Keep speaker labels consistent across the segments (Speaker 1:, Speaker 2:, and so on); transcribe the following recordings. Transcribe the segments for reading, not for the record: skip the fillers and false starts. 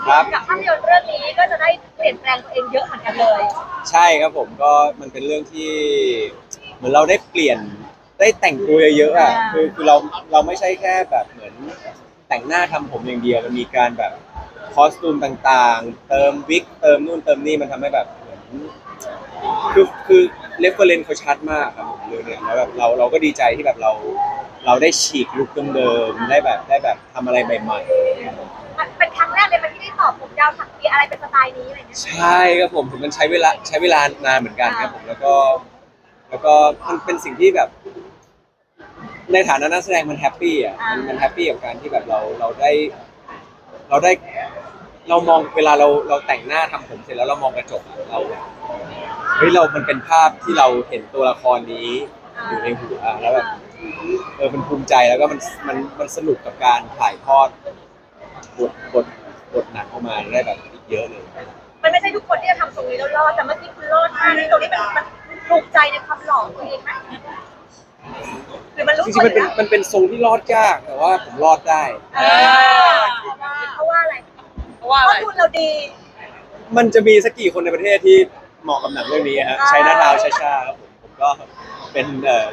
Speaker 1: ครับ
Speaker 2: กับภาพยนตร์เรื่องนี้ก็จะได้เปลี่ยนแปลงตัวเองเยอะเหมือนกันเลย
Speaker 1: ใช่ครับผมก็มันเป็นเรื่องที่เหมือนเราได้เปลี่ยนได้แต่งตัวเยอะๆอ่ะคือเราไม่ใช่แค่แบบเหมือนแต่งหน้าทำผมอย่างเดียวมันมีการแบบคอสตูมต่างๆเติมวิกเติมนู่นเติมนี่มันทำให้แบบเหมือนคือเรฟเฟอเรนซ์เขาชัดมากครับผมเรื่องเนี้ยแล้วแบบเราก็ดีใจที่แบบเราได้ฉีกลุคเดิมๆได้แบบทำอะไรใหม่ๆ
Speaker 2: มันเป็นครั้งแรกเลยมันที่ได้ตอบผมยาวถักเปียอะไรเป็นสไตล์นี้อะไรเงี้ย
Speaker 1: ใช่ครับผมถึงมันใช้เวลานานเหมือนกันครับผมแล้วก็มันเป็นสิ่งที่แบบในฐานะนักแสดงมันแฮปปี้อ่ะมันแฮปปี้กับการที่แบบเราได้เรามองเวลาเราแต่งหน้าทำผมเสร็จแล้วเรามองกระจกอะเราแบบเฮ้ยเรามันเป็นภาพที่เราเห็นตัวละครนี้อยู่ในหัวแล้วแบบมันภูมิใจแล้วก็มันสนุกกับการถ่ายทอดบทบทบทหนังออกมาได้แบบอีกเยอะเลย
Speaker 2: มันไม่ใช่ทุกคนที่จะทำตรงนี้แล้วรอดแต่เมื่อกี้คุณรอดมากในตรงนี้มันถูกใจในความหล่อของตัวเองไหมหรือมันรู้
Speaker 1: จริงๆ
Speaker 2: ผลแล้ว
Speaker 1: มันเป็นทรงที่รอดยากแต่ว่าผมรอดได้
Speaker 2: เอเพราะว่าอะไร
Speaker 3: เพราะว่า
Speaker 2: เพ
Speaker 3: อะไร
Speaker 2: ราะทุนเราดี
Speaker 1: มันจะมีสักกี่คนในประเทศที่เหมาะกับหนังเรื่องนี้ฮะชัยนาทาวน์ชาครับผมก็เป็น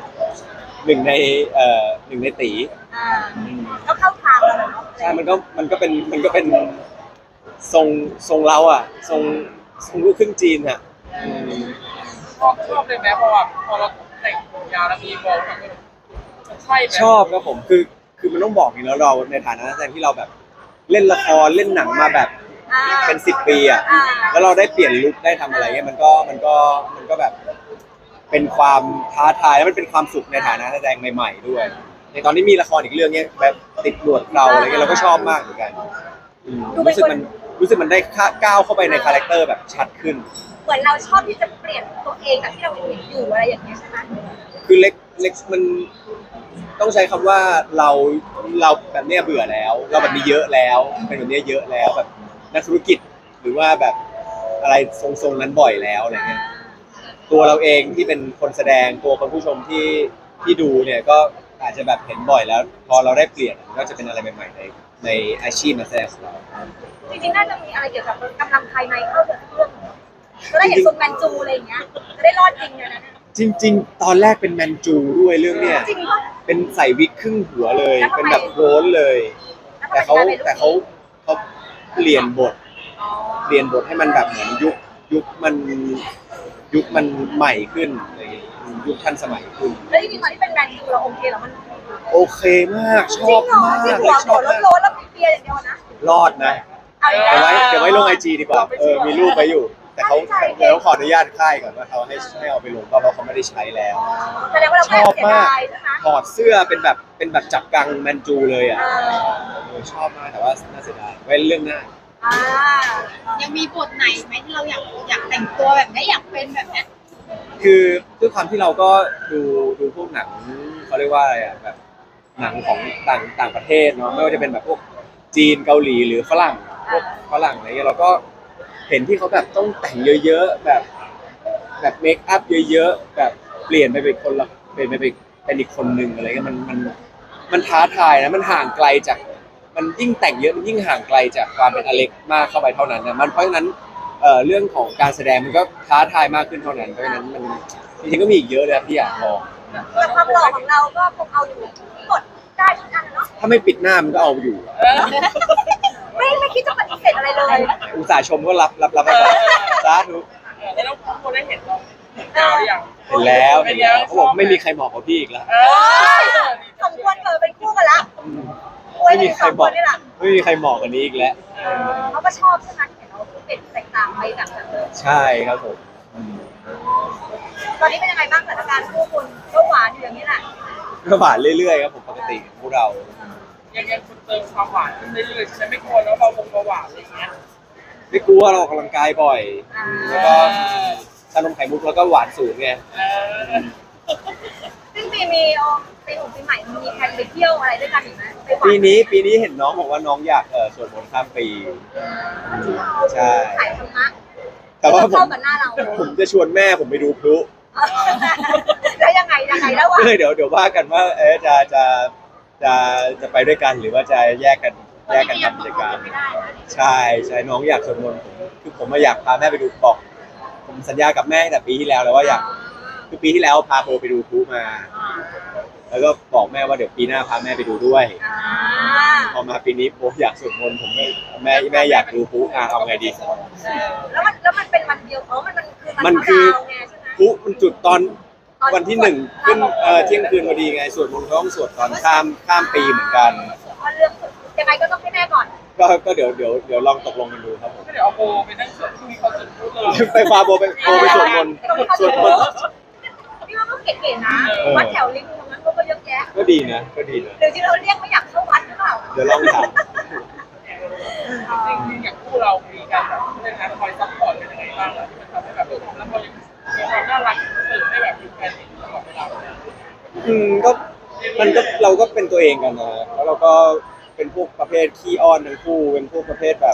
Speaker 1: หนึ่งในตี
Speaker 2: อ่าก็เข้าทางแล้วเนาะ
Speaker 1: ใช่มันก็เป็นทรงเราอ่ะทรงลูกครึ่งจีนอ่ะอืม
Speaker 3: ชอบเลยไหมเพราะว่าพอเราแต่งผมยาวแล้วมีโบว์ทั้งใช่ไหม
Speaker 1: ชอบครับผมคือมันต้องบอกอย่างนี้แล้วเราในฐานะนักแสดงที่เราแบบเล่นละครเล่นหนังมาแบบเป็น10 ปีอ่ะแล้วเราได้เปลี่ยนลุคได้ทำอะไรเงี้ยมันก็แบบ เป็นความท้าทายและมันเป็นความสุขในฐานะนักแสดงใหม่ๆด้วยในตอนนี้มีละครอีกเรื่องเนี้ยแบบติดหนวดเราอะไรเงี้ยเราก็ชอบมากเหมือนกันรู้สึกมันได้ก้าวเข้าไปในคาแรคเตอร์แบบชัดขึ้น
Speaker 2: เหมือนเราชอบที่จะเปลี่ยนตัวเองจากที่เราเห็นอยู่อะไรอย่างเงี้ยใช่ไหม
Speaker 1: คือเล็กมันต้องใช้คำว่าเราเราแบบเนี้ยเบื่อแล้วเราแบบนี้เยอะแล้วเป็นแบบเนี้ยเยอะแล้วแบบนักธุรกิจหรือว่าแบบอะไรทรงๆนั้นบ่อยแล้วอะไรเงี้ย ตัวเราเองที่เป็นคนแสดงตัวคนผู้ชมที่ดูเนี่ยก็อาจจะแบบเห็นบ่อยแล้วพอเราได้เปลี่ยนก็จะเป็นอะไรใหม่ๆในอาชีพนักแสดงของเรา
Speaker 2: จริงๆน่าจะมีอะไรเกี่ยวกับกำลังภายในเข้าเรื่องก็ได้เห็นทรงแมนจูอะไรอย่างเงี้ยจะได้รอดจริงเลยนะ
Speaker 1: จริงๆตอนแรกเป็นแมนจูด้วยเรื่องเนี้ย
Speaker 2: จริงปะ
Speaker 1: เป็นใส่วิกครึ่งหัวเลย
Speaker 2: แล้วทำไม
Speaker 1: เป็นแบบโรนเลยแต่เขาแต่เขาเปลี่ยนบทเปลี่ยนบทให้มันแบบเหมือนยุคมันใหม่ขึ้นอะไรอย่างเงี้ยยุคทันสมัยขึ้น
Speaker 2: แล้วจริงๆตอนที่เป็นแมนจูเราโอเคเหรอมัน
Speaker 1: โอเคมากช
Speaker 2: จริ
Speaker 1: อบ
Speaker 2: งเหรอ
Speaker 1: มาก
Speaker 2: ที่หัว
Speaker 1: เลยชอบมาก
Speaker 2: โล้นๆแล้วเปียอย่างเดียวนะ
Speaker 1: รอดนะ
Speaker 2: เอาอีก
Speaker 1: เดี๋ยวไว้ลงไอจีดีกว่ามีรูปไว้อยู่ แต่เขาเดี๋ยวต้องขออนุญาตค่ายก่อนว่าเขาให้เอาไปลงเพราะเขาไม่ได้ใช้แล้ว
Speaker 2: แสดงว่าเรา
Speaker 1: ช
Speaker 2: แอบ
Speaker 1: อบมาก
Speaker 2: เสียดายใช่ไหม
Speaker 1: ถอดเสื้อเป็นแบบจับกังแมนจูเลยอ่ะชอบมากแต่ว่าน่าเสียดายไว้เรื่องหน้า
Speaker 2: อ่า
Speaker 4: ยังมีบทไหนไหมที่เราอยากแต่งตัวแบบนี้อยากเป็นแบบนี้
Speaker 1: คือด้วยความที่เราก็ดูพวกหนังเขาเรียกว่าอะไรอ่ะแบบหนังของต่างประเทศเนาะไม่ว่าจะเป็นแบบพวกจีนเกาหลีหรือฝรั่งพวกฝรั่งอะไรเงี้ยเราก็เห็นที่เขาแบบต้องแต่งเยอะๆแบบเมคอัพเยอะๆแบบเปลี่ยนไปเป็นคนละเปลี่ยนไปเป็นอีกคนหนึ่งอะไรเงี้ยมันท้าทายนะมันห่างไกลจากมันยิ่งแต่งเยอะมันยิ่งห่างไกลจากความเป็นอเล็กมากเข้าไปเท่านั้นนะเพราะฉะนั้นเรื่องของการแสดงมันก็ท้าทายมากขึ้นเท่านั้นเพราะฉะนั้นมันจริงๆก็มีอีกเยอะเลยที่อยากลอง
Speaker 2: แต่ความหล่อของเราก็คงเอาอยู่กดได้ทุกอันเนาะ
Speaker 1: ถ้าไม่ปิดหน้ามันก็เอาอยู่
Speaker 2: ไม่คิดจะปฏิเสธอะไรเลย
Speaker 1: อุตส่าห์ชมก็รับไปก่อนสาธุ
Speaker 3: แล้วน้องโบได้เห็นเรายาวหรือยัง
Speaker 1: เห็นแล้วเขาบอกไม่มีใครเหมาะกับพี่อีกแล้ว
Speaker 2: สมควรเป็นคู่กันละ
Speaker 1: ไม่มีใครเหมาะไม่มีใครเหมาะกันนี้อีกแล้ว
Speaker 2: เขาก็ชอบใช่ไหมเห็นเราเป็นแตกต่างไปจากเดิม
Speaker 1: ใช่ครับผม
Speaker 2: ตอนนี้เป็นยังไงบ้างสถานการณ์คู่คุณก็หวานอยู่อย่างนี้แหละ
Speaker 1: ก็หวานเรื่อยๆครับผมปกติพวกเรา
Speaker 3: ยังคุณเติมความหวานขึ้นเรื่อยๆใช่ไหมไม่กลัวแล้วเราคงเบาหวานอะไรอย่างเงี้ย
Speaker 1: ไม่กลัวเราออกกำลังกายบ่อยแล้วก็ชานมไข่มุกแล้วก็หวานสูงไง
Speaker 2: ซึ่งปีใหม่มีแผนไปเที่ยวอะไรด้วยกันอีกไหม
Speaker 1: ปีนี้เห็นน้องบอกว่าน้องอยากสวดมนต์ข้ามปีใช่
Speaker 2: ขายธรรมะ
Speaker 1: แต่ว่าผมจะชวนแม่ผมไปดูพลุ
Speaker 2: แล้วยังไงแล้ววะ
Speaker 1: เดี๋ยวว่ากันว่าจะไปด้วยกันหรือว่าจะแยกกันแยกกันทำกิจกรรม
Speaker 4: ไม่ได้นะ
Speaker 1: ใช่ใช่น้องอยากสวดมนต์ผมมาอยากพาแม่ไปดูบอกผมสัญญากับแม่ตั้งแต่ปีที่แล้วว่าอยากคือปีที่แล้วพาโบไปดูพลุมา แล้วก็บอกแม่ว่าเดี๋ยวปีหน้าพาแม่ไปดูด้วย พอมาปีนี้โบอยากสวดมนต์ผมไม่แม่อยากดูพลุเอาไงดี
Speaker 2: แล้วมันเป็นวันเดียวมันคือดาวไงใช่ไหม
Speaker 1: พลุมันจุดตอนวันที่1ขึ้นเที่ยงคืนพอดีไงสวดมนต์ต้องสวดตอนข้ามปีเหมือนกัน
Speaker 2: มันเรื่องยังไงก็ต้องให้แม่ก่อน
Speaker 1: ก็เดี๋ยวลองตกลงกันดูครับผม
Speaker 3: ก็เดี๋ยวเอาโบไปนั่งสวดที่เขาจุดพูดเลย
Speaker 1: ไปพาโบไปสวดมนต์สวดมนต์
Speaker 2: พี่ว่าก็เก๋ๆนะวัดแถวริมตรงนั้นก็เยอะแยะ
Speaker 1: ก็ดีนะ
Speaker 2: หรือที่เราเรียกไม่อยากเข้าวัดหรือเปล่า
Speaker 1: เดี๋ยวลองถาม
Speaker 3: จริงๆอย่างคู่เรามีการแบบเรื่องนั้นคอยซัพพอร์ตเป็นยังไงบ้างที่มันทำให้แบบแล้วพอยังมีความน่ารักเสริมให้แบบอยู่แฟนตลอดเวลา
Speaker 1: ก็เราก็เป็นตัวเองกันนะแล้วเราก็เป็นพวกประเภทขี้อ้อนทั้งคู่เป็นพวกประเภทแบบ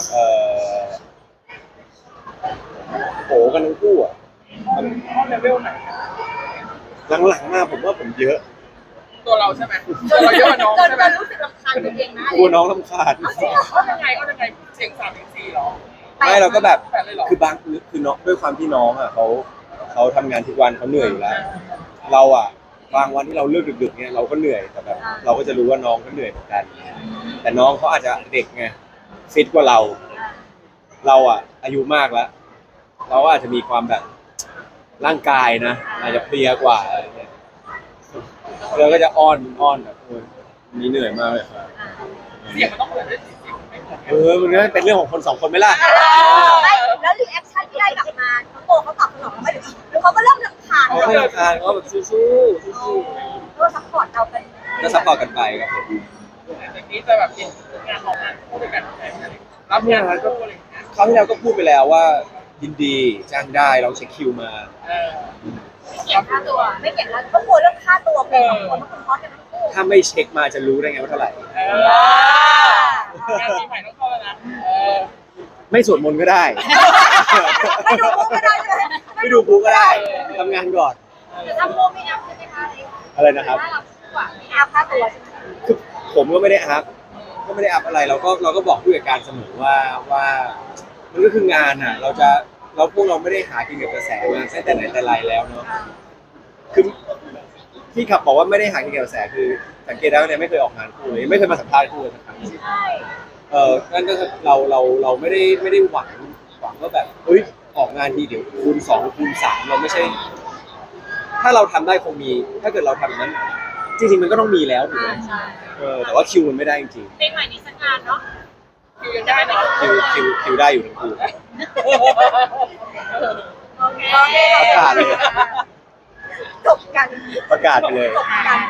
Speaker 1: โผกันทั้งคู่อ่ะ
Speaker 3: ข้อเลเวลไหน
Speaker 1: หลังๆมาผมว่าผมเยอะ
Speaker 3: ตัวเราใช่ไหมตัวเราเยอะกว่าน้อง
Speaker 2: จน
Speaker 3: ใช่ไหม
Speaker 2: รู้สึกรำคาญตัวเองนะ
Speaker 1: กลัวน้องรำคาญ
Speaker 3: เขายังไงเสียง3-4หรอ
Speaker 1: ไม่เราก็แบบ
Speaker 3: แปดเลยหรอ
Speaker 1: คือบางคือน้องด้วยความที่น้องอ่ะเขาทำงานทุกวันเขาเหนื่อยอยู่แล้ว เราอ่ะบางวันที่เราเลิกดึกๆเนี่ยเราก็เหนื่อยแต่แบบเราก็จะรู้ว่าน้องก็เหนื่อยเหมือนกัน แต่น้องเขาอาจจะเด็กไงฟิตกว่าเราอ่ะอายุมากแล้ว เราอาจจะมีความแบบร่างกายนะอาจจะเพลียกว่าอะไรเงี้ยเราก็จะอ้อนแบบวันนี้เหนื่อยมากเลยครับ
Speaker 3: เสียงมันต้องเหมือนด้วยเสียงไม่เหมือน
Speaker 1: มันก็เป็นเรื่องของคนสองคนไหมล่ะ
Speaker 2: แล้วรีแอคชั่นที่ได้กลับมาน้องโบเขาตอบสนองไหมหรือเขาก็เริ่มรำคาญ
Speaker 1: เขาไม่รำคาญเขาแบบสู้ๆ
Speaker 2: ก็ซัพพอร์ตเราเป็น
Speaker 1: ก็ซัพพอร์ตกันไปครับผม
Speaker 3: อย่างนี้จะแบบเห็นงานของงานคู่ด้วยกันรับงานคู่อะไรอย่างเงี้ย
Speaker 1: คราวที่แล้วก็พูดไปแล้วว่ายินดีจ้างได้ลองเช็คคิวมา
Speaker 2: เก็บค่าตัวไม่เก็บแล้วก็กลัวเรื่องค่าตัวเป็นของคนทุกคนพร้อมกันทั้งคู่
Speaker 1: ถ้าไม่เช็คมาจะรู้ได้ไงว่าเท่าไหร่
Speaker 3: งานปีใหม่ต้องเข้าแล้วนะ
Speaker 1: ไม่สวดมนต์ก็ได้
Speaker 2: ไม่ดูก็ได้เลย
Speaker 1: ไม่ดูปุ๊ก็ได้ทำงานก่อน
Speaker 2: ทำโมไม่อัพใช่ไหมคะ
Speaker 1: อะไรนะครับ
Speaker 2: ถ้าเราหวังไม่อัพค่าตัวใช่ไหม
Speaker 1: คือผมก็ไม่ได้อัพอะไรเราก็บอกผู้จัดการเสมอว่ามันก็คืองานอ่ะพวกเราไม่ได้หากินกับกระแสมาตั้งแต่ไหนแต่ไรแล้วเนาะคือที่ขับบอกว่าไม่ได้หากินกับกระแสคือสังเกตได้ว่าเนี่ยไม่เคยออกงานคู่เลยไม่เคยมาสัมภาษณ์คู่เลยสักครั้ง
Speaker 2: ใช่
Speaker 1: นั่นก็คือเราไม่ได้หวังว่าแบบเฮ้ยออกงานทีเดี๋ยวคูณ2คูณ3เราไม่ใช่ ถ้าเราทำได้คงมี ถ้าเกิดเราทำอย่างนั้น จริงๆมันก็ต้องมีแล้วถูกไหมแต่ว่าคิวมันไม่ได้จริง
Speaker 2: ปีใหม่นี้สักงานเนาะ
Speaker 3: คือยังได้เนาะ
Speaker 1: ๆคิวได้อยู่ทั้งคู่
Speaker 2: โอเค
Speaker 1: ประกาศเลย
Speaker 2: จบกัน
Speaker 1: ประกาศไปเลย
Speaker 2: จบกัน